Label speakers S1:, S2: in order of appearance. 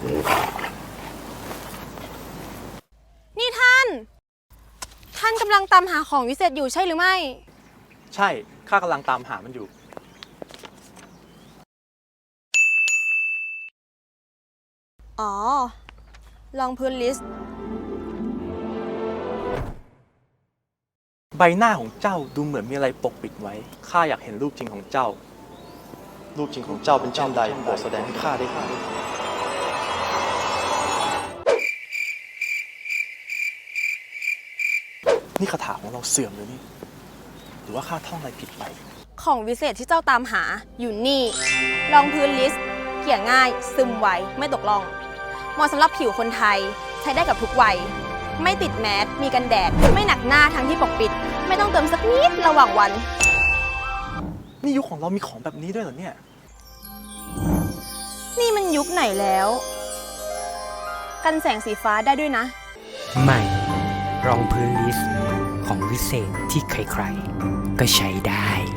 S1: นี่ท่านกำลังตามหาของวิเศษอยู่ใช่หรือไม่
S2: ใช่ข้ากำลังตามหามันอยู่
S1: อ๋อลองพื้นลิสต์
S2: ใบหน้าของเจ้าดูเหมือนมีอะไรปกปิดไว้ข้าอยากเห็นรูปจริงของเจ้ารูปจริงของเจ้าเป็นเช่นใดโปรดแสดงให้ข้าได้นี่คาถาของเราเสื่อมหรือนี่หรือว่าข้าท่องอะไรผิดไป
S1: ของวิเศษที่เจ้าตามหาอยู่นี่รองพื้นลิสต์เกลี่ยง่ายซึมไวไม่ตกล่องเหมาะสำหรับผิวคนไทยใช้ได้กับทุกวัยไม่ติดแมสมีกันแดดไม่หนักหน้าทั้งที่ปกปิดไม่ต้องเติมสักนิดระหว่างวัน
S2: นี่ยุคของเรามีของแบบนี้ด้วยเหรอเนี่ย
S1: นี่มันยุคไหนแล้วกันแสงสีฟ้าได้ด้วยนะ
S3: ใหม่รองพื้นลิสต์ของวิเศษที่ใครๆก็ใช้ได้